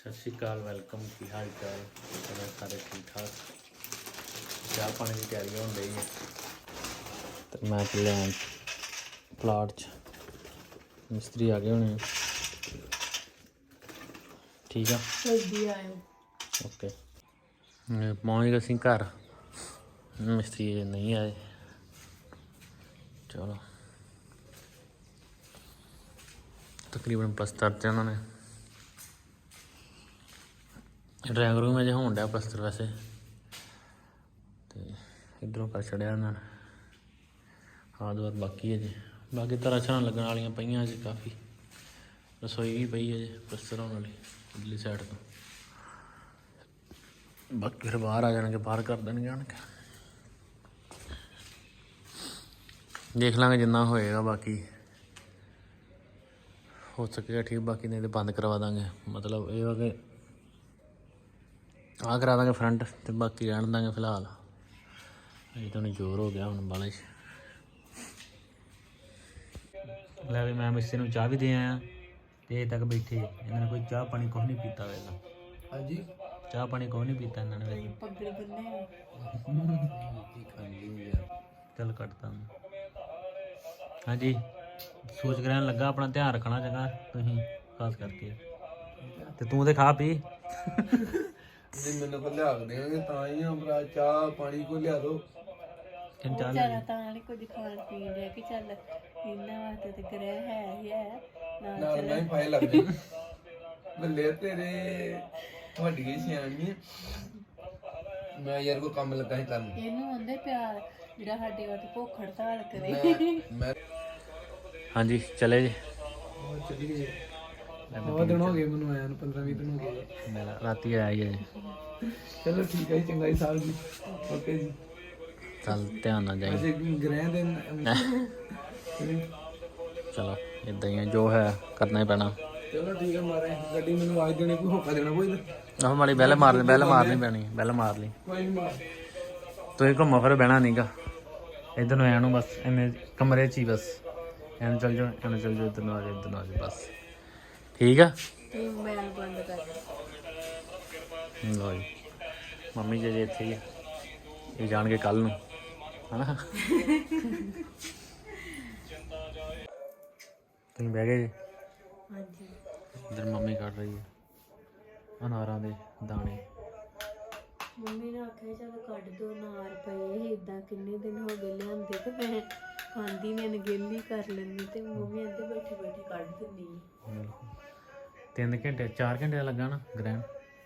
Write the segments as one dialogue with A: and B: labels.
A: सत श्री अकाल वेलकम की हाल चाल सारे ठीक ठाक। चाह पानी की तैयारी हो रही है तो मैं चलिया प्लाट च मिस्त्री आ गए होने। ठीक है ओके पहुँच गए असीं घर, मिस्त्री नहीं आए। चलो तकरीबन पलस्तर ते उन्होंने ड्राइंग रूम अजे होन डਿਆ पलस्तर वैसे तो इधरों कर छड़िया उन्होंने हाथ वाथ बाकी है जी। बाकी तरह छां लगन वाली पईयां जी काफ़ी। रसोई भी पई है जी पलस्तर होने वाली इधरली साइड तो। बाकी फिर बाहर आ जाएंगे, बाहर कर देंगे आन के देख लांगे जिन्ना होएगा। बाकी हो सकेगा ठीक, बाकी नहीं तो बंद करवा देंगे। मतलब ये हो कि आ करा देंगे फ्रंट तो बाकी रहन देंगे फिलहाल। अजे तो जोर हो गया हम बाले लै भी मैं मिस्त्री नूं चाह भी दे आया तो अजे तक बैठे इन्होंने कोई चाह पानी कुछ नहीं पीता वेला। हाँ जी चाह पानी कुछ नहीं पीता इन्होंने। चल कटता हाँ जी। सूरज ग्रहण लगा, अपना ध्यान रखना चंगा तुसीं खास करके। ते तू तो खा पी
B: मैंने को लिया देंगे ता ही हम चाह पानी को लिया दो। ਬੱਲੇ ਤੇਰੇ ਤੁਹਾਡੀ ਹੀ ਸਿਆਣੀ ਮੈਂ ਯਾਰ ਕੋ ਕੰਮ ਲੱਗਾ ਸੀ ਕਰਨ।
C: ਇਹਨੂੰ ਹੁੰਦੇ ਪਿਆਰ ਜਿਹੜਾ ਸਾਡੇ ਵਾਸਤੇ ਭੁੱਖ ਹੜਤਾਲ ਕਰੇ।
B: ਮੈਂ
A: ਹਾਂਜੀ ਚਲੇ ਜੀ।
B: ਚਲੀ ਗਏ ਬਹੁਤ ਦਿਨ ਹੋ ਗਏ ਮੈਨੂੰ ਆਇਆ ਨੂੰ 15-20 ਦਿਨ ਹੋ ਗਏ।
A: ਮੇਰਾ ਰਾਤੀ ਆਇਆ ਹੀ ਹੈ।
B: ਚਲੋ ਠੀਕ ਹੈ ਜੀ, ਚੰਗਾ ਜੀ ਸਾਹਿਬ ਜੀ। ਓਕੇ ਜੀ
A: ਚੱਲ ਧਿਆਨ ਨਾਲ ਜਾਈ।
B: ਅਜੇ ਗ੍ਰਹਿ ਦੇ
A: ਚਲੋ ਇਦਾਂ ਹੀ ਹੈ, ਜੋ ਹੈ ਕਰਨਾ ਹੀ ਪੈਣਾ।
B: ਚਲੋ ਠੀਕ ਹੈ ਮਾਰੇ ਗੱਡੀ ਮੈਨੂੰ ਆਵਾਜ਼ ਦੇਣੀ ਕੋਈ ਹੋਕਾ ਦੇਣਾ ਕੋਈ
A: ਆਹ ਮਾੜੀ ਬੈਲ ਮਾਰਨੀ ਪੈਣੀ, ਬੈਲ ਮਾਰ ਲਈ।
B: ਕੋਈ ਨਹੀਂ ਮਾਰ
A: ਤੁਸੀਂ ਘੁੰਮੋ ਫਿਰ ਬਹਿਣਾ ਨਹੀਂਗਾ ਇੱਧਰ ਨੂੰ ਆਇਆ ਨੂੰ ਬਸ ਐਵੇਂ ਕਮਰੇ 'ਚ ਹੀ ਬਸ ਐਵੇਂ ਚੱਲ ਜਾਓ ਇੱਧਰ ਨੂੰ ਆ ਜਾਓ ਇੱਧਰ ਨੂੰ ਆ ਜਾਓ ਬਸ ਠੀਕ ਆ।
C: ਤੂੰ ਮੋਬਾਈਲ ਬੰਦ ਕਰ
A: ਲਓ ਜੀ ਮੰਮੀ ਜੀ ਇੱਥੇ ਹੀ ਆ, ਇਹ ਜਾਣਗੇ ਕੱਲ ਨੂੰ ਹਨਾ। ਤੁਸੀਂ ਬਹਿ ਗਏ ਜੀ।
C: ਹਾਂਜੀ
A: ਇੱਧਰ ਮੰਮੀ ਕੱਢ ਰਹੀ ਹੈ ਅਨਾਰਾਂ ਦੇ ਦਾਣੇ।
C: ਮੰਮੀ ਨੇ ਆਖਿਆ ਚਲ ਕੱਢ ਦੋ, ਨਾਰ ਪਏ ਸੀ ਇਦਾਂ ਕਿੰਨੇ ਦਿਨ ਹੋ ਗਏ ਲਿਆਂਦੇ ਤੇ ਮੈਂ ਖਾਂਦੀ ਨੇ ਅਣਗਹਿਲੀ ਕਰ ਲੈਂਦੀ ਤੇ ਮੰਮੀ ਅੱਧੇ ਬੈਠੇ ਬੈਠੇ ਕੱਢ ਦਿੰਦੀ।
A: 3 ਘੰਟੇ 4 ਘੰਟੇ ਦਾ ਲੱਗਾ ਨਾ ਗ੍ਰਹਿਣ।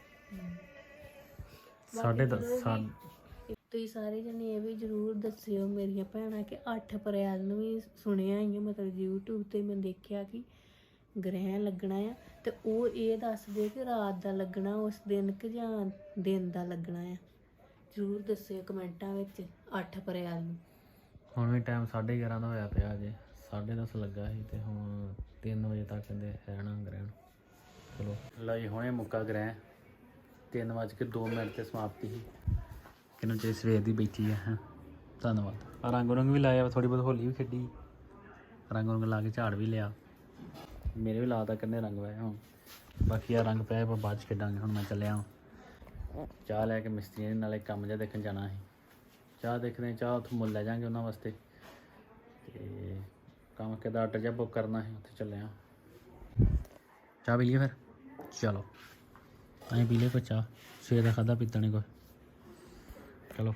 A: 10:30
C: ਤੁਸੀਂ ਸਾਰੇ ਜਣੇ ਇਹ ਵੀ ਜ਼ਰੂਰ ਦੱਸਿਓ ਮੇਰੀਆਂ ਭੈਣਾਂ ਕਿ 8 ਅਪ੍ਰੈਲ ਨੂੰ ਵੀ ਸੁਣਿਆ ਹੀ ਮਤਲਬ YouTube ਤੇ ਮੈਂ ਦੇਖਿਆ ਕਿ ਗ੍ਰਹਿਣ ਲੱਗਣਾ ਆ ਤੇ ਉਹ ਇਹ ਦੱਸਦੇ ਕਿ ਰਾਤ ਦਾ ਲੱਗਣਾ ਉਸ ਦਿਨ ਕਿ ਜਾਂ ਦਿਨ ਦਾ ਲੱਗਣਾ ਆ। ਜ਼ਰੂਰ ਦੱਸਿਓ ਕਮੈਂਟਾਂ ਵਿੱਚ 8 ਅਪ੍ਰੈਲ ਨੂੰ।
A: ਹੁਣ ਵੀ ਟਾਈਮ 11:30 ਦਾ ਹੋਇਆ ਪਿਆ ਅਜੇ 10:30 ਲੱਗਾ ਸੀ ਤੇ ਹੁਣ 3 ਵਜੇ ਤੱਕ ਕਹਿੰਦੇ ਰਹਿਣਾ ਗ੍ਰਹਿਣ। ਚਲੋ ਲਓ ਜੀ ਹੁਣੇ ਮੁੱਕਾ ਗ੍ਰਹਿਣ 3:02 ਤੇ ਸਮਾਪਤੀ ਸੀ। ਕਿਨੂੰ ਚੇ ਸਵੇਰ ਦੀ ਬੈਠੀ ਹੈ। ਧੰਨਵਾਦ। ਰੰਗ ਰੰਗ ਵੀ ਲਾਇਆ, ਥੋੜੀ ਬਹੁਤ ਹੋਲੀ ਵੀ ਖੇਡੀ, ਰੰਗ ਲਾ ਕੇ ਝਾੜ ਵੀ ਲਿਆ। ਮੇਰੇ ਵੀ ਲਾਤਾ ਕਿੰਨੇ ਰੰਗ ਪਏ ਹੁਣ ਬਾਕੀ ਆ ਰੰਗ ਪਏ ਆਪਾਂ ਬਾਅਦ 'ਚ ਖੇਡਾਂਗੇ। ਹੁਣ ਮੈਂ ਚੱਲਿਆ ਚਾਹ ਲੈ ਕੇ ਮਿਸਤਰੀਆਂ ਦੇ ਨਾਲੇ ਕੰਮ ਜਿਹਾ ਦੇਖਣ ਜਾਣਾ ਸੀ। ਚਾਹ ਦੇਖਦੇ ਚਾਹ ਉੱਥੋਂ ਮੁੱਲ ਲੈ ਜਾਵਾਂਗੇ ਉਹਨਾਂ ਵਾਸਤੇ ਅਤੇ ਕੰਮ ਕਿੱਦਾਂ ਆਰਡਰ ਜਿਹਾ ਬੁੱਕ ਕਰਨਾ ਸੀ ਉੱਥੇ ਚੱਲਿਆ। ਚਾਹ ਪੀ ਲਈਏ ਫਿਰ। ਚਲੋ ਅਸੀਂ ਪੀ ਲਈਏ ਕੋਈ ਚਾਹ, ਸਵੇਰ ਦਾ ਖਾਧਾ ਪੀਤਾ ਨਹੀਂ ਕੁਛ। ਚਲੋ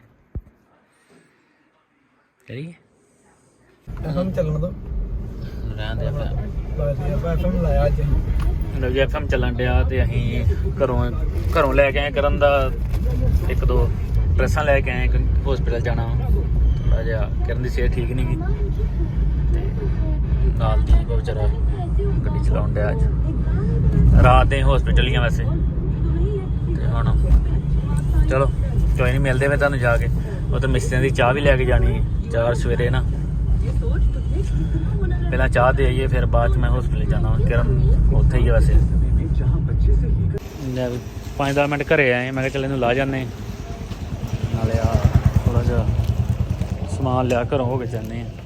A: ਕਰੀਏ
B: हम ਚੱਲਣ ਦੋ
A: ਰਹਿਣ ਦੇ ਆਪਾਂ
B: FM ਲਾਇਆ ਅੱਜ।
A: ਜੀ FM ਚੱਲਣ ਡਿਆ ਤੇ ਅਸੀਂ ਘਰੋਂ ਲੈ ਕੇ ਆਏ ਕਰਨ ਦਾ 1-2 ਡਰੈਸਾਂ ਲੈ ਕੇ ਆਏ। ਹਸਪੀਟਲ ਜਾਣਾ ਥੋੜ੍ਹਾ ਜਿਹਾ ਕਰਨ ਦੀ ਸਿਹਤ ਠੀਕ ਨਹੀਂ ਗੀ ਤੇ ਨਾਲ ਦੀ ਵਿਚਾਰਾ ਗੱਡੀ ਚਲਾਉਣ ਡਿਆ ਅੱਜ। ਰਾਤ ਦੇ ਹਸਪੀਟਲ ਹੀ ਆ ਵੈਸੇ ਤੇ ਹੁਣ ਚਲੋ ਕੋਈ ਨਹੀਂ ਮਿਲਦੇ ਫਿਰ ਤੁਹਾਨੂੰ ਜਾ ਕੇ। ਉਹ ਤਾਂ ਮਿਸਤਰੀਆਂ ਦੀ ਚਾਹ ਵੀ ਲੈ ਕੇ ਜਾਣੀ ਚਾਰ ਸਵੇਰੇ ਨਾ। ਪਹਿਲਾਂ ਚਾਹ ਦੇ ਆਈਏ ਫਿਰ ਬਾਅਦ 'ਚ ਮੈਂ ਹਸਪੀਟਲ ਜਾਣਾ। ਕਿਰਨ ਉੱਥੇ ਹੀ ਆ ਵੈਸੇ। 5-10 ਮਿੰਟ ਘਰੇ ਆਏ ਮੈਂ ਕਿਹਾ ਚੱਲ ਇਹਨੂੰ ਲਾ ਜਾਂਦੇ ਨਾਲੇ ਆ ਥੋੜ੍ਹਾ ਜਿਹਾ ਸਮਾਨ ਲਿਆ ਘਰੋਂ ਹੋ ਕੇ ਜਾਂਦੇ ਹਾਂ।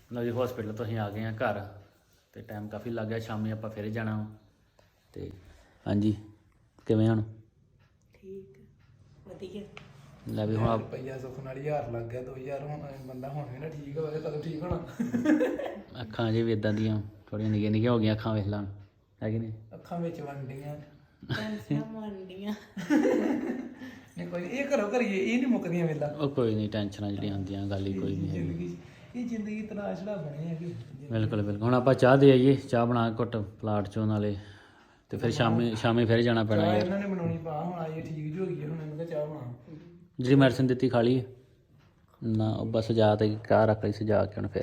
A: ਲਓ ਜੀ ਹਸਪੀਟਲ ਤੋਂ ਅਸੀਂ ਆ ਗਏ ਹਾਂ ਘਰ ਤੇ ਟਾਈਮ ਕਾਫੀ ਲੱਗ ਗਿਆ ਸ਼ਾਮੀ ਆਪਾਂ ਫਿਰ ਜਾਣਾ ਵਾ। ਤੇ ਹਾਂਜੀ ਕਿਵੇਂ ਹੁਣ
C: ਠੀਕ ਵਧੀਆ
A: ਲੈ ਵੀ ਹੁਣ
B: ਰੁਪਈਆ ਸੁੱਖ ਨਾਲ 1000 ਲੱਗ ਗਿਆ 2000 ਹੁਣ ਬੰਦਾ ਹੁਣ ਵੀ ਨਾ ਠੀਕ ਹੋਵੇ ਕਦੋਂ ਠੀਕ ਹੋਣਾ
A: ਅੱਖਾਂ ਜੇ ਵੀ ਇਦਾਂ ਦੀਆਂ ਥੋੜ੍ਹੀਆਂ ਨਿੱਕੀਆਂ ਨਿੱਕੀਆਂ ਹੋ ਗਈਆਂ ਅੱਖਾਂ ਵੇਖ ਲਾਂ ਹੈ ਕਿ ਨਹੀਂ
B: ਅੱਖਾਂ ਵਿੱਚ ਵੰਡੀਆਂ
C: ਟੈਨਸ਼ਨਾਂ ਮੰਡੀਆਂ
B: ਨਹੀਂ ਕੋਈ ਇਹ ਕਰੋ ਕਰੀਏ ਇਹ ਨਹੀਂ ਮੁੱਕਦੀਆਂ ਵੇਲਾ
A: ਉਹ ਕੋਈ ਨਹੀਂ ਟੈਨਸ਼ਨਾਂ ਜਿਹੜੀਆਂ ਹੁੰਦੀਆਂ ਗੱਲ ਹੀ ਕੋਈ ਨਹੀਂ
B: ਜ਼ਿੰਦਗੀ ਇਹ ਜ਼ਿੰਦਗੀ ਤਰਾ ਛੜਾ ਬਣੇ ਹੈਗੇ
A: ਬਿਲਕੁਲ ਬਿਲਕੁਲ ਹੁਣ ਆਪਾਂ ਚਾਹ ਦੇ ਆਈਏ ਚਾਹ ਬਣਾ ਕੇ ਘੁੱਟ ਪਲਾਟ ਚੋਂ ਨਾਲੇ ਤੇ ਫਿਰ ਸ਼ਾਮੀ ਫਿਰ ਜਾਣਾ ਪੈਣਾ
B: ਚਾਹ
A: ਯਾਰ
B: ਇਹਨਾਂ ਨੇ ਬਣਾਉਣੀ ਪਾ ਹੁਣ ਆਈ ਠੀਕ ਜੋ ਹੋ ਗਈ ਹੈ, ਹੁਣ ਇਹਨਾਂ ਦਾ ਚਾਹ ਬਣਾ
A: ਜਿਹੜੀ ਮੈਡੀਸਿਨ ਦਿੱਤੀ ਖਾ ਲਈ ਨਾ ਉਹ ਬਸ ਸਜਾ ਤੇ ਘਰ ਰੱਖ ਲਈ ਸਜਾ ਕੇ ਹੁਣ ਫਿਰ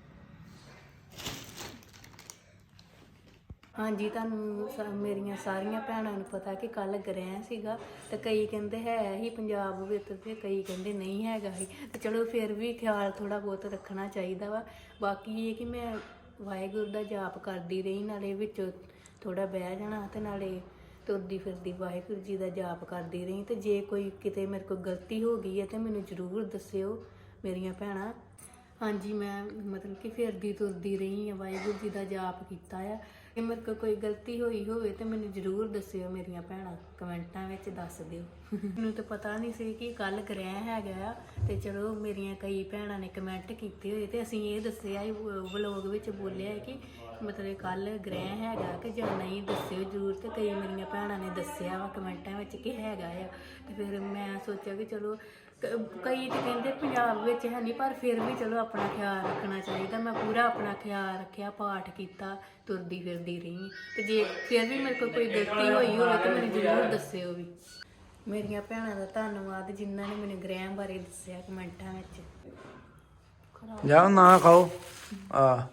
C: ਹਾਂਜੀ ਤੁਹਾਨੂੰ ਮੇਰੀਆਂ ਸਾਰੀਆਂ ਭੈਣਾਂ ਨੂੰ ਪਤਾ ਕਿ ਕੱਲ ਗ੍ਰਹਿਣ ਸੀਗਾ ਤੇ ਕਈ ਕਹਿੰਦੇ ਹੈ ਹੀ ਪੰਜਾਬ ਵਿੱਚ ਤੇ ਕਈ ਕਹਿੰਦੇ ਨਹੀਂ ਹੈਗਾ ਹੀ ਤੇ ਚਲੋ ਫਿਰ ਵੀ ਖਿਆਲ ਥੋੜਾ ਬਹੁਤ ਰੱਖਣਾ ਚਾਹੀਦਾ ਵਾ। ਬਾਕੀ ਇਹ ਕਿ ਮੈਂ ਵਾਹਿਗੁਰੂ ਦਾ ਜਾਪ ਕਰਦੀ ਰਹੀ ਨਾਲੇ ਵਿੱਚ ਥੋੜਾ ਬਹਿ ਜਾਣਾ ਤੇ ਨਾਲੇ ਤੁਰਦੀ ਫਿਰਦੀ ਵਾਹਿਗੁਰੂ ਜੀ ਦਾ ਜਾਪ ਕਰਦੀ ਰਹੀ ਤੇ ਜੇ ਕੋਈ ਕਿਤੇ ਮੇਰੇ ਕੋਲ ਗਲਤੀ ਹੋ ਗਈ ਹੈ ਤੇ ਮੈਨੂੰ ਜ਼ਰੂਰ ਦੱਸਿਓ ਮੇਰੀਆਂ ਭੈਣਾਂ। ਹਾਂਜੀ ਮੈਂ ਮਤਲਬ ਕਿ ਫਿਰਦੀ ਤੁਰਦੀ ਰਹੀ ਹਾਂ ਵਾਹਿਗੁਰੂ ਜੀ ਦਾ ਜਾਪ ਕੀਤਾ ਆ। ਜੇ ਮੇਰੇ ਕੋਲ ਕੋਈ ਗਲਤੀ ਹੋਈ ਹੋਵੇ ਤੇ ਮੈਨੂੰ ਜ਼ਰੂਰ ਦੱਸਿਓ ਮੇਰੀਆਂ ਭੈਣਾਂ ਕਮੈਂਟਾਂ ਵਿੱਚ ਦੱਸ ਦਿਓ। ਮੈਨੂੰ ਤਾਂ ਪਤਾ ਨਹੀਂ ਸੀ ਕਿ ਕੱਲ ਗ੍ਰਹਿ ਹੈਗਾ ਆ ਤੇ ਚਲੋ ਮੇਰੀਆਂ ਕਈ ਭੈਣਾਂ ਨੇ ਕਮੈਂਟ ਕੀਤੇ ਹੋਏ ਤੇ ਅਸੀਂ ਇਹ ਦੱਸਿਆ ਵਲੋਗ ਵਿੱਚ ਬੋਲਿਆ ਕਿ ਮਤਲਬ ਕੱਲ ਗ੍ਰਹਿ ਹੈਗਾ ਕਿ ਜਾਂ ਨਹੀਂ ਦੱਸਿਓ ਜ਼ਰੂਰ ਤੇ ਕਈ ਮੇਰੀਆਂ ਭੈਣਾਂ ਨੇ ਦੱਸਿਆ ਵਾ ਕਮੈਂਟਾਂ ਵਿੱਚ ਕਿ ਹੈਗਾ ਆ ਤੇ ਫਿਰ ਮੈਂ ਸੋਚਿਆ ਕਿ ਚਲੋ ਕਈ ਤਾਂ ਕਹਿੰਦੇ ਪੰਜਾਬ ਵਿੱਚ ਹੈ ਨਹੀਂ ਪਰ ਫਿਰ ਵੀ ਚਲੋ ਆਪਣਾ ਖਿਆਲ ਰੱਖਣਾ ਚਾਹੀਦਾ। ਮੈਂ ਪੂਰਾ ਆਪਣਾ ਖਿਆਲ ਰੱਖਿਆ ਪਾਠ ਕੀਤਾ ਤੁਰਦੀ ਫਿਰਦੀ ਰਹੀ ਤੇ ਜੇ ਫਿਰ ਵੀ ਮੇਰੇ ਕੋਲ ਕੋਈ ਗਲਤੀ ਹੋਈ ਹੋਵੇ ਤਾਂ ਮੈਨੂੰ ਜ਼ਰੂਰ ਦੱਸਿਓ ਵੀ। ਮੇਰੀਆਂ ਭੈਣਾਂ ਦਾ ਧੰਨਵਾਦ ਜਿਨ੍ਹਾਂ ਨੇ ਮੈਨੂੰ ਗ੍ਰਹਿ ਬਾਰੇ ਦੱਸਿਆ ਕਮੈਂਟਾਂ ਵਿੱਚ।
B: ਜਾਓ ਨਾ ਖਾਓ ਆ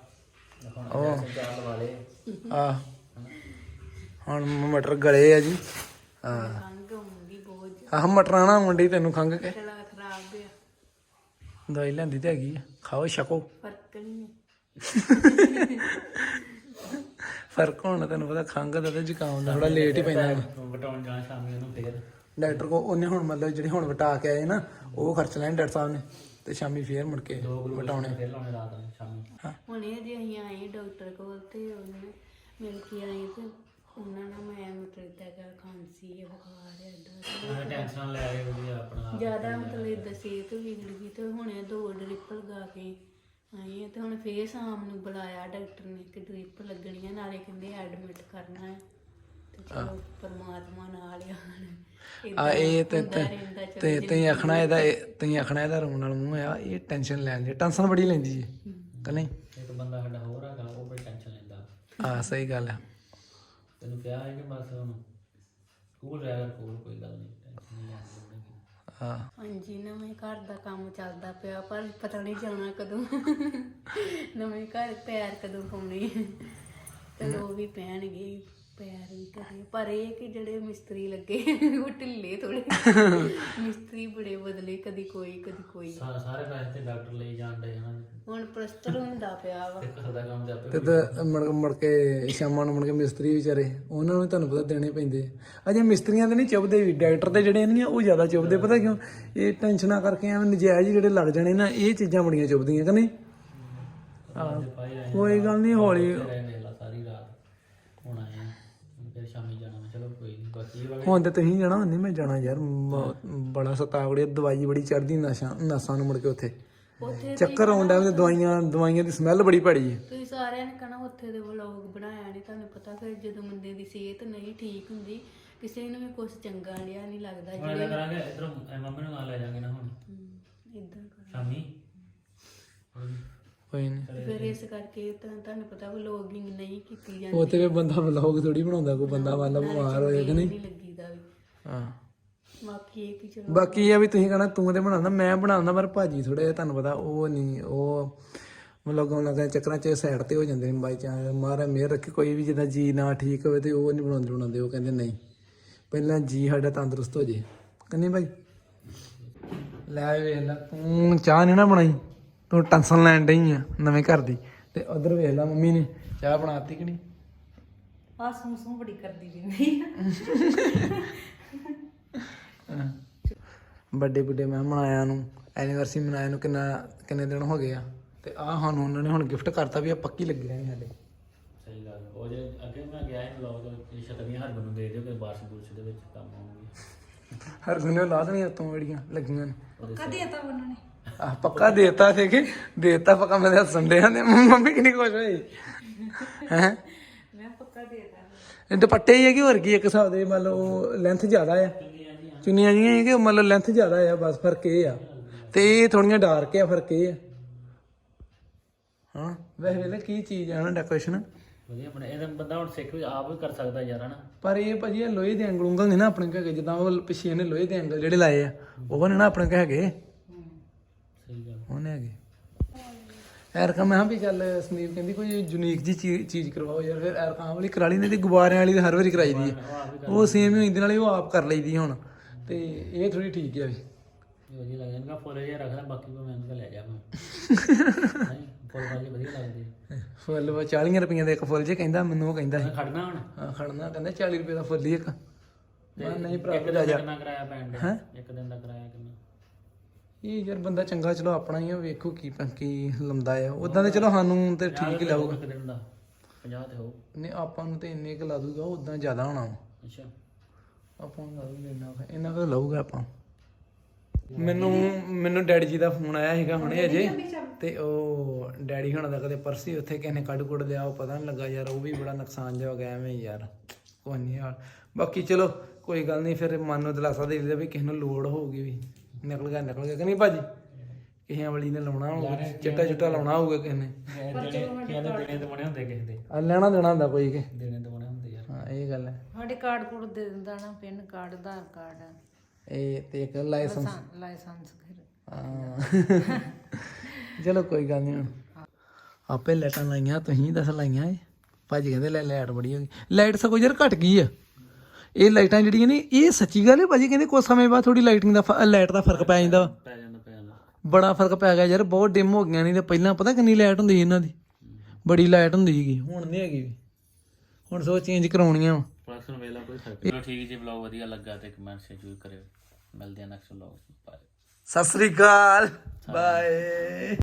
B: ਆ ਹੁਣ ਮਟਰ ਗਲੇ ਆ ਜੀ ਆ
C: ਖੰਘ ਹੁੰਦੀ ਬਹੁਤ
B: ਆਹ ਮਟਰਾਂ ਨਾ ਮੰਡੀ ਤੈਨੂੰ ਖੰਘ ਕੇ
C: ਜ਼ਿਆਦਾ ਖਰਾਬ ਆ
B: ਦਵਾਈ ਲੈਂਦੀ ਤੇ ਹੈਗੀ ਆ ਖਾਓ ਛਕੋ
C: ਫਰਕ ਨਹੀਂ
B: ਫਰਕ ਹੋਣਾ ਤੈਨੂੰ ਪਤਾ ਖੰਘ ਦਾ ਤੇ ਜ਼ੁਕਾਮ ਦਾ ਥੋੜਾ ਲੇਟ ਹੀ ਪੈਂਦਾ
A: ਵਟਾਉਣ ਜਾਣਾ ਸ਼ਾਮੀ ਉਹਨੂੰ ਫਿਰ
B: ਡਾਕਟਰ ਕੋ ਉਹਨੇ ਹੁਣ ਮਤਲਬ ਜਿਹੜੇ ਹੁਣ ਵਟਾ ਕੇ ਆਏ ਨਾ ਉਹ ਖਰਚ ਲੈਣ ਡਾਕਟਰ ਸਾਹਿਬ ਨੇ ਤੇ ਸ਼ਾਮੀ ਫੇਰ ਮੁੜ ਕੇ ਵਟਾਉਣੇ
A: ਫਿਰ ਲਾਉਣੇ ਰਾਤ ਨੂੰ ਸ਼ਾਮੀ
C: ਹੁਣ ਇਹ ਜੇ ਅਸੀਂ ਆਏ ਡਾਕਟਰ ਕੋਲ ਤੇ ਉਹਨੇ ਮਿਲ ਕੇ ਆਏ ਤੇ ਉਹਨਾਂ ਨਾਲ ਮੈਂ ਮਤਲਬ ਇਦਾਂ ਖਾਂਸੀ ਹੈ ਬੁਖਾਰ ਹੈ ਇਦਾਂ
A: ਟੈਨਸ਼ਨ ਲੈ ਕੇ ਵਧੀਆ ਆਪਣਾ
C: ਜ਼ਿਆਦਾ ਮਤਲਬ ਇਦਾਂ ਸਿਹਤ ਵਿਗੜ ਗਈ ਤੇ ਹੁਣੇ 2 ਡ੍ਰਿਪ ਲਗਾ ਕੇ ਆਏ ਆ ਤੇ ਹੁਣ ਫੇਰ ਸ਼ਾਮ ਨੂੰ ਬੁਲਾਇਆ ਡਾਕਟਰ ਨੇ ਕਿ ਡ੍ਰਿਪ ਲੱਗਣੀ ਆ ਨਾਲੇ ਕਹਿੰਦੇ ਐਡਮਿਟ ਕਰਨਾ ਹੈ ਤੇ ਚਲੋ ਪਰਮਾਤਮਾ ਨਾਲ
B: ਆ ਇਹ ਤੇ ਤੁਸੀਂ ਆਖਣਾ ਇਹਦਾ ਰੋਣ ਨਾਲ ਮੂੰਹ ਆ ਇਹ ਟੈਨਸ਼ਨ ਲੈਣ ਦੀ ਟੈਨਸ਼ਨ ਬੜੀ ਲੈਂਦੀ ਜੀ ਕਿ ਨਹੀਂ
A: ਇੱਕ ਬੰਦਾ ਸਾਡਾ ਹੋਰ ਹੈਗਾ ਉਹ ਬੜੀ ਟੈਨਸ਼ਨ ਲੈਂਦਾ
B: ਹਾਂ ਸਹੀ ਗੱਲ ਆ
A: ਤੈਨੂੰ ਕਿਹਾ ਹੈ ਕਿ ਬਸ ਹੁਣ ਸਕੂਲ ਰਹਿ ਗਿਆ ਕੋਲ ਕੋਈ ਗੱਲ ਨਹੀਂ ਟੈਨਸ਼ਨ ਨਹੀਂ ਲੈਣੀ
B: ਹਾਂ
C: ਹਾਂਜੀ ਨਵੇਂ ਘਰ ਦਾ ਕੰਮ ਚੱਲਦਾ ਪਿਆ ਪਰ ਪਤਾ ਨਹੀਂ ਜਾਣਾ ਕਦੋਂ ਨਵੇਂ ਘਰ ਪੈਰ ਕਦੋਂ ਪਾਉਣੇ ਤੇ ਉਹ ਵੀ ਪੈਣਗੇ ਪੈਰ ਵੀ ਕਰੇ ਪਰ ਇਹ ਕਿ ਜਿਹੜੇ ਮਿਸਤਰੀ ਲੱਗੇ ਉਹ ਢਿੱਲੇ ਥੋੜੇ ਮਿਸਤਰੀ ਬੜੇ ਬਦਲੇ ਕਦੀ ਕੋਈ
A: ਸਾਰੇ ਪੈਸੇ ਤੇ ਡਾਕਟਰ ਲਈ ਜਾਂਦੇ ਹਨ
C: ਹੁਣ ਪਲਸਤਰ ਹੁੰਦਾ ਪਿਆ ਵਾ
A: ਘਰ ਦਾ ਕੰਮ ਤੇ
B: ਤੇ ਤਾਂ ਮੁੜ ਕੇ ਸ਼ਾਮਾਂ ਨੂੰ ਮੁੜ ਕੇ ਮਿਸਤਰੀ ਵਿਚਾਰੇ ਉਹਨਾਂ ਨੂੰ ਤੁਹਾਨੂੰ ਪਤਾ ਦੇਣੇ ਪੈਂਦੇ ਅਜੇ ਮਿਸਤਰੀਆਂ ਤੇ ਨਹੀਂ ਚੁੱਭਦੇ ਵੀ ਡਾਕਟਰ ਤੇ ਜਿਹੜੇ ਨਹੀਂ ਉਹ ਜ਼ਿਆਦਾ ਚੁੱਭਦੇ ਪਤਾ ਕਿਉਂ ਇਹ ਟੈਨਸ਼ਨਾਂ ਕਰਕੇ ਐਵੇਂ ਨਜਾਇਜ਼ ਜਿਹੜੇ ਲੱਗ ਜਾਣੇ ਨਾ ਇਹ ਚੀਜ਼ਾਂ ਬੜੀਆਂ ਚੁੱਭਦੀਆਂ ਕਿ ਨਹੀਂ ਕੋਈ ਗੱਲ ਨਹੀਂ ਹੌਲੀ
A: ਸਾਰੀ ਰਾਤ ਹੁਣ ਆਏ ਫਿਰ ਸ਼ਾਮੀ ਜਾਣਾ ਚਲੋ ਕੋਈ ਨਹੀਂ ਬਾਕੀ
B: ਹੁਣ ਤੇ ਤੁਸੀਂ ਜਾਣਾ ਨਹੀਂ ਮੈਂ ਜਾਣਾ ਯਾਰ ਬੜਾ ਸਤਾਵੜੇ ਦਵਾਈ ਬੜੀ ਚੜਦੀ ਨਸਾਂ ਨੂੰ ਮੁੜ ਕੇ ਉੱਥੇ ਚੱਕਰ ਆਉਂਦਾ ਤੇ ਦਵਾਈਆਂ ਦੀ ਸਮੈਲ ਬੜੀ ਭੈੜੀ ਹੈ
C: ਤੁਸੀਂ ਸਾਰਿਆਂ ਨੇ ਕਹਣਾ ਉੱਥੇ ਦੇ ਵਲੋਗ ਬਣਾਇਆ ਨਹੀਂ ਤੁਹਾਨੂੰ ਪਤਾ ਫਿਰ ਜਦੋਂ ਬੰਦੇ ਦੀ ਸਿਹਤ ਨਹੀਂ ਠੀਕ ਹੁੰਦੀ ਕਿਸੇ ਨੂੰ ਵੀ ਕੁਝ ਚੰਗਾ ਲਿਆ ਨਹੀਂ ਲੱਗਦਾ
A: ਜਿਹੜੇ ਕਰਾਂਗੇ ਇਧਰੋਂ ਮੰਮੀ ਨੂੰ ਨਾਲ ਲੈ ਜਾਾਂਗੇ ਨਾ ਹੁਣ
C: ਇਦਾਂ
A: ਸ਼ਾਮੀ
B: ਕੋਈ ਨਹੀਂ
C: ਫਿਰ ਇਸ ਕਰਕੇ ਤੁਹਾਨੂੰ ਪਤਾ ਵਲੋਗਿੰਗ ਨਹੀਂ ਕੀਤੀ ਜਾਂਦੀ
B: ਉਹ ਤੇ ਬੰਦਾ ਵਲੌਗ ਥੋੜੀ ਬਣਾਉਂਦਾ ਕੋਈ ਬੰਦਾ ਮੰਨ ਲਾ ਬਿਮਾਰ ਹੋਏ ਕਿ ਨਹੀਂ
C: ਲੱਗੀਦਾ ਵੀ
B: ਹਾਂ
C: ਬਾਕੀ ਇਹ ਕਿ ਚਲੋ
B: ਬਾਕੀ ਇਹ ਆ ਵੀ ਤੁਸੀਂ ਕਹਣਾ ਤੂੰ ਤੇ ਬਣਾਉਂਦਾ ਮੈਂ ਬਣਾਉਂਦਾ ਪਰ ਭਾਜੀ ਥੋੜਾ ਜਿਹਾ ਤੁਹਾਨੂੰ ਪਤਾ ਉਹ ਨਹੀਂ ਉਹ ਵਲੋਗਾਂ ਲੱਗਾ ਚੱਕਰਾਂ 'ਚ ਸਾਈਡ ਤੇ ਹੋ ਜਾਂਦੇ ਨੇ ਬਾਈ ਚਾਂਸ ਮਹਾਰਾਜ ਮਿਹਰ ਰੱਖੇ ਕੋਈ ਵੀ ਜਿੱਦਾਂ ਜੀ ਨਾ ਠੀਕ ਹੋਵੇ ਤੇ ਉਹ ਨਹੀਂ ਬਣਾਉਂਦੇ ਉਹ ਕਹਿੰਦੇ ਨਹੀਂ ਪਹਿਲਾਂ ਜੀ ਸਾਡਾ ਤੰਦਰੁਸਤ ਹੋ ਜੇ ਕਹਿੰਦੇ ਭਾਈ ਲੈ ਵੇਖ ਲੈ ਤੂੰ ਚਾਹ ਨਹੀਂ ਨਾ ਬਣਾਈ ਤੂੰ ਟੈਨਸ਼ਨ ਲੈਣ ਡਈ ਆ ਨਵੇਂ ਘਰ ਦੀ ਤੇ ਉਧਰ ਵੇਖ ਲੈ ਮੰਮੀ ਨੇ ਚਾਹ ਬਣਾਤੀ ਕਿ ਨਹੀਂ
C: ਆ ਸੂਸੂ ਬੜੀ ਕਰਦੀ ਰਹਿੰਦੀ
B: ਬਰਥਡੇ ਬੁੱਢੇ ਮੈਂ ਮਨਾਇਆ ਨੂੰ ਐਨੀਵਰਸਰੀ ਮਨਾਇਆ ਨੂੰ ਕਿੰਨੇ ਦਿਨ ਹੋ ਗਏ ਆ ਤੇ ਆਹ ਸਾਨੂੰ ਉਹਨਾਂ ਨੇ ਹੁਣ ਗਿਫਟ ਕਰਤਾ ਵੀ ਆ ਪੱਕੀ ਲੱਗੀ ਰਹਿਣੀ ਸਾਡੇ।
A: ਸਹੀ ਗੱਲ। ਉਹ ਜੇ ਅੱਗੇ ਮੈਂ ਗਿਆ ਸੀ ਬਲੌਗ ਦੇ ਛਤਰੀਆਂ ਹਰਬਨ ਨੂੰ ਦੇ ਦਿਓ ਕਿ ਬਾਰਿਸ਼ ਬੁਰਸ਼ ਦੇ ਵਿੱਚ ਕੰਮ ਆਉਣਗੇ।
B: ਹਰ ਗੁਨੇ ਲਾ ਦੇਣੀਆਂ ਤੋਂ ਜਿਹੜੀਆਂ ਲੱਗੀਆਂ ਨੇ।
D: ਪੱਕਾ ਦੇਤਾ ਉਹਨਾਂ ਨੇ।
B: ਆਹ ਪੱਕਾ ਦੇਤਾ ਸੀ ਕਿ ਦੇਤਾ ਪੱਕਾ। ਮੇਰੇ ਹੱਸਣ ਦੇ ਨੇ ਮੰਮੀ ਕਿੰਨੀ ਖੁਸ਼ ਹੋਈ ਹੈ।
D: ਮੈਂ ਪੱਕਾ ਦੇਤਾ।
B: ਇਹ ਦੁਪੱਟੇ ਹੀ ਹੈ ਕਿ ਹੋਰ ਕੀ ਇੱਕ ਹਿਸਾਬ ਦੇ ਮੰਨ ਲਓ ਲੈਂਥ ਜ਼ਿਆਦਾ ਆ, ਚੁੰਨੀਆਂ ਜੀਆਂ ਹੈ ਕਿ ਮੰਨ ਲਓ ਲੈਂਥ ਜ਼ਿਆਦਾ ਆ, ਬਸ ਫਰਕ ਇਹ ਆ। ਤੇ ਇਹ ਥੋੜੀਆਂ ਡਾਰਕ ਆ, ਫਰਕ ਇਹ ਆ। ਹਾਂ ਵੈਸੇ ਵੇਲੇ ਕੀ ਚੀਜ਼ ਆ ਨਾ ਡੈਕੋਰੇਸ਼ਨ
A: ਵਧੀਆ ਬਣੇ। ਇਹਦਾ ਬੰਦਾ ਹੁਣ ਸਿੱਖ ਵੀ ਆਪ ਵੀ ਕਰ ਸਕਦਾ ਯਾਰ ਹਨਾ।
B: ਪਰ ਇਹ ਭਾਜੀ ਇਹ ਲੋਹੇ ਦੇ ਐਂਗਲ ਉਂਗਲ ਨਹੀਂ ਨਾ ਆਪਣੇ ਕੋਲ ਹੈਗੇ, ਜਿੱਦਾਂ ਉਹ ਪਿੱਛੇ ਇਹਨੇ ਲੋਹੇ ਦੇ ਐਂਗਲ ਜਿਹੜੇ ਲਾਏ ਆ ਉਹ ਨੇ ਨਾ ਆਪਣੇ ਕੋਲ ਹੈਗੇ।
A: ਸਹੀ ਗੱਲ।
B: ਉਹਨੇ ਹੈਗੇ ਐਰਕਾ। ਮੈਂ ਕਿਹਾ ਵੀ ਚੱਲ ਸੰਦੀਪ ਕਹਿੰਦੀ ਕੋਈ ਯੂਨੀਕ ਜੀ ਚੀਜ਼ ਕਰਵਾਓ ਯਾਰ। ਫਿਰ ਐਰਕਾ ਵਾਲੀ ਕਰਾ ਲਈ, ਨਹੀਂ ਤੇ ਗੁਬਾਰਿਆਂ ਵਾਲੀ ਤਾਂ ਹਰ ਵਾਰੀ ਕਰਾਈ ਦੀ ਹੈ। ਉਹ ਸੇਮ ਹੀ ਇਹਦੇ ਨਾਲ ਹੀ ਉਹ ਆਪ ਕਰ ਲਈਦੀ ਹੁਣ। ਤੇ ਇਹ ਥੋੜੀ ਠੀਕ ਹੈ ਵੀ
A: ਵਧੀਆ ਲੱਗਦਾ। ਇਹਨਾਂ ਫੁੱਲ ਜਿਹਾ ਰੱਖਦਾ, ਬਾਕੀ ਮੈਂ ਇਹਨਾਂ ਲੈ ਜਾ ਮੈਂ ਫੁੱਲ ਵਾਲੀ ਵਧੀਆ ਲੱਗਦੀ।
B: ਫੁੱਲ 40 ਰੁਪਈਆਂ ਦਾ ਇੱਕ ਫੁੱਲ ਜੇ ਕਹਿੰਦਾ ਮੈਨੂੰ। ਉਹ ਕਹਿੰਦਾ
A: ਖੜਨਾ ਹੁਣ।
B: ਹਾਂ ਖੜਨਾ, ਕਹਿੰਦਾ 40 ਰੁਪਏ ਦਾ ਫੁੱਲ ਹੀ ਇੱਕ। ਮੈਂ ਨਹੀਂ ਭਰਾ
A: ਇੱਕ ਦਿਨ ਦਾ ਕਿੰਨਾ ਕਿਰਾਇਆ ਪੈਣ ਡਿਆ? ਇੱਕ ਦਿਨ ਦਾ ਕਿਰਾਇਆ ਕਿੰਨਾ?
B: ਇਹ ਯਾਰ ਬੰਦਾ ਚੰਗਾ ਚਲੋ ਆਪਣਾ ਹੀ ਆ, ਵੇਖੋ ਕੀ ਲੰਦਾ ਆ। ਉਦਾਂ ਤੇ ਚਲੋ ਸਾਨੂੰ ਤੇ ਠੀਕ ਹੀ ਲਾਊਗਾ।
A: ਇੱਕ ਦਿਨ ਦਾ 50 ਤੇ ਹੋਊ।
B: ਨਹੀਂ ਆਪਾਂ ਨੂੰ ਤੇ ਇੰਨੇ ਕੁ ਲਾ ਦੂਗਾ, ਉਦਾਂ ਜ਼ਿਆਦਾ ਹੋਣਾ ਵਾ।
A: ਅੱਛਾ
B: ਆਪਾਂ ਨੂੰ ਲਾ ਦੂਗਾ ਇੰਨਾ ਕੁ ਲਾਊਗਾ ਆਪਾਂ। ਮੈਨੂੰ ਡੈਡੀ ਜੀ ਦਾ ਫੋਨ ਆਇਆ ਸੀਗਾ ਹੁਣੇ ਅਜੇ। ਤੇ ਉਹ ਡੈਡੀ ਹੁਣਾਂ ਦਾ ਕਦੇ ਪਰਸੀ ਉੱਥੇ ਕਿਸੇ ਨੇ ਕੱਢ ਕੁੱਟ ਲਿਆ, ਉਹ ਪਤਾ ਨਹੀਂ ਲੱਗਾ ਯਾਰ। ਉਹ ਵੀ ਬੜਾ ਨੁਕਸਾਨ ਜਿਹਾ ਹੋ ਗਿਆ ਐਵੇਂ ਯਾਰ। ਕੋਈ ਨਹੀਂ ਯਾਰ, ਬਾਕੀ ਚਲੋ ਕੋਈ ਗੱਲ ਨਹੀਂ। ਫਿਰ ਮਨ ਨੂੰ ਦਿਲਾਸਾ ਦੇ ਦਿੰਦਾ ਵੀ ਕਿਸੇ ਨੂੰ ਲੋੜ ਹੋਊਗੀ ਵੀ ਨਿਕਲ ਗਿਆ ਕਿ ਨਹੀਂ ਭਾਜੀ। ਕਿਸੇ ਵਾਲੀ ਨੇ ਲਾਉਣਾ ਹੋਊਗਾ, ਚਿੱਟਾ ਚੁੱਟਾ ਲਾਉਣਾ ਹੋਊਗਾ ਕਿਸੇ ਨੇ।
A: ਦੇਣੇ ਤੇ ਬਣੇ ਹੁੰਦੇ ਕਿਸੇ ਦੇ।
B: ਆ ਲੈਣਾ ਦੇਣਾ ਹੁੰਦਾ ਕੋਈ ਕਿ
A: ਦੇਣੇ ਤੇ ਬਣੇ ਹੁੰਦੇ ਯਾਰ।
B: ਹਾਂ ਇਹ ਗੱਲ ਹੈ।
D: ਸਾਡੇ ਕਾਰਡ ਕੋਡ ਦੇ ਦਿੰਦਾ ਨਾ, ਪਿੰਨ ਕਾਰਡ, ਆਧਾਰ ਕਾਰਡ,
B: ਇਹ ਤੇ ਇੱਕ ਲਾਇਸੈਂਸ।
D: ਲਾਇਸੈਂਸ ਫਿਰ।
B: ਹਾਂ ਚਲੋ ਕੋਈ ਗੱਲ ਨਹੀਂ। ਹੁਣ ਆਪੇ ਲਾਈਟਾਂ ਲਾਈਆਂ, ਤੁਸੀਂ ਦੱਸ ਲਾਈਆਂ ਏ? ਭਾਜੀ ਕਹਿੰਦੇ ਲਾਈਟ ਬੜੀ ਹੋ ਗਈ। ਲਾਈਟ ਸਗੋਂ ਯਾਰ ਘਟ ਗਈ ਆ। ਇਹ ਲਾਈਟਾਂ ਜਿਹੜੀਆਂ ਨੇ ਇਹ ਸੱਚੀ ਗੱਲ ਹੈ ਭਾਜੀ। ਕਹਿੰਦੇ ਕੁਝ ਸਮੇਂ ਬਾਅਦ ਥੋੜੀ ਲਾਈਟਿੰਗ ਦਾ ਲਾਈਟ ਦਾ ਫਰਕ ਪੈ ਜਾਂਦਾ।
A: ਪੈ ਜਾਂਦਾ
B: ਬੜਾ ਫਰਕ ਪੈ ਗਿਆ ਯਾਰ। ਬਹੁਤ ਡਿਮ ਹੋ ਗਈਆਂ। ਨਹੀਂ ਤੇ ਪਹਿਲਾਂ ਪਤਾ ਕਿੰਨੀ ਲਾਈਟ ਹੁੰਦੀ ਸੀ ਇਹਨਾਂ ਦੀ, ਬੜੀ ਲਾਈਟ ਹੁੰਦੀ ਸੀਗੀ। ਹੁਣ ਨਹੀਂ ਹੈਗੀ ਵੀ। ਹੁਣ ਸੋ ਚੇਂਜ ਕਰਾਉਣੀਆਂ ਵਾ।
A: ਪਰਸਨ ਵੇਲਾ ਕੋਈ ਫਰਕ। ਚਲੋ ਠੀਕ ਜੀ, ਵਲੌਗ ਵਧੀਆ ਲੱਗਾ ਤੇ ਕਮੈਂਟ ਜ਼ਰੂਰ ਕਰਿਓ। ਮਿਲਦੇ ਆ ਨੈਕਸਟ ਵਲੌਗ। ਬਾਏ।
B: ਸਤਿ ਸ੍ਰੀ ਅਕਾਲ, ਬਾਏ।